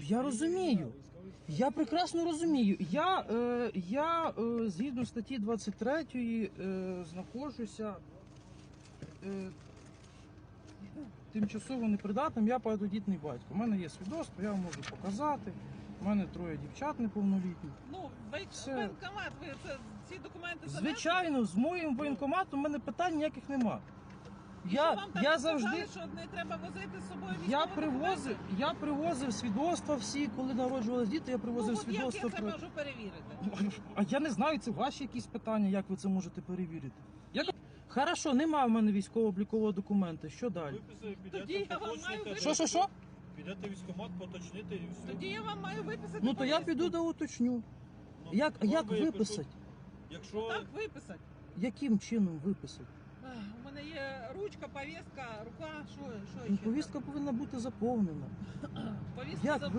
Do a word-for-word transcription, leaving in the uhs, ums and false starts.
Я розумію. Я прекрасно розумію. Я, е, я е, згідно статті двадцять третьої е, знаходжуся е, тимчасово непридатним, я багатодітний батько. У мене є свідоцтво, я вам можу показати. У мене троє дівчат неповнолітніх. Ну, ви Це- воєнкомат, ви це, ці документи занесли? Звичайно, з моїм воєнкоматом у мене питань ніяких нема. І що Я, вам там я сказали, завжди... що не треба возити з собою Я військові привозив, документи? я привозив свідоцтва всі, коли народжувалися діти, я Ну, привозив от як свідоцтва. я це про- можу перевірити? А я не знаю, це ваші якісь питання, як ви це можете перевірити. Як... Хорошо, нема в мене військово-облікового документа. Що далі? Виписали, Тоді підете, я вам маю поточните. виписати. Що, що, що? Підете в військкомат, поточнити і все. Тоді я вам маю виписати Ну то я повістку. піду да уточню. Ну, Як, вам як випишуть. виписати? Якщо Так виписати. Яким чином виписати? Ах, у мене є ручка, повістка, рука, що, що Ну, ще? повістка повинна бути заповнена. Повістка Як за-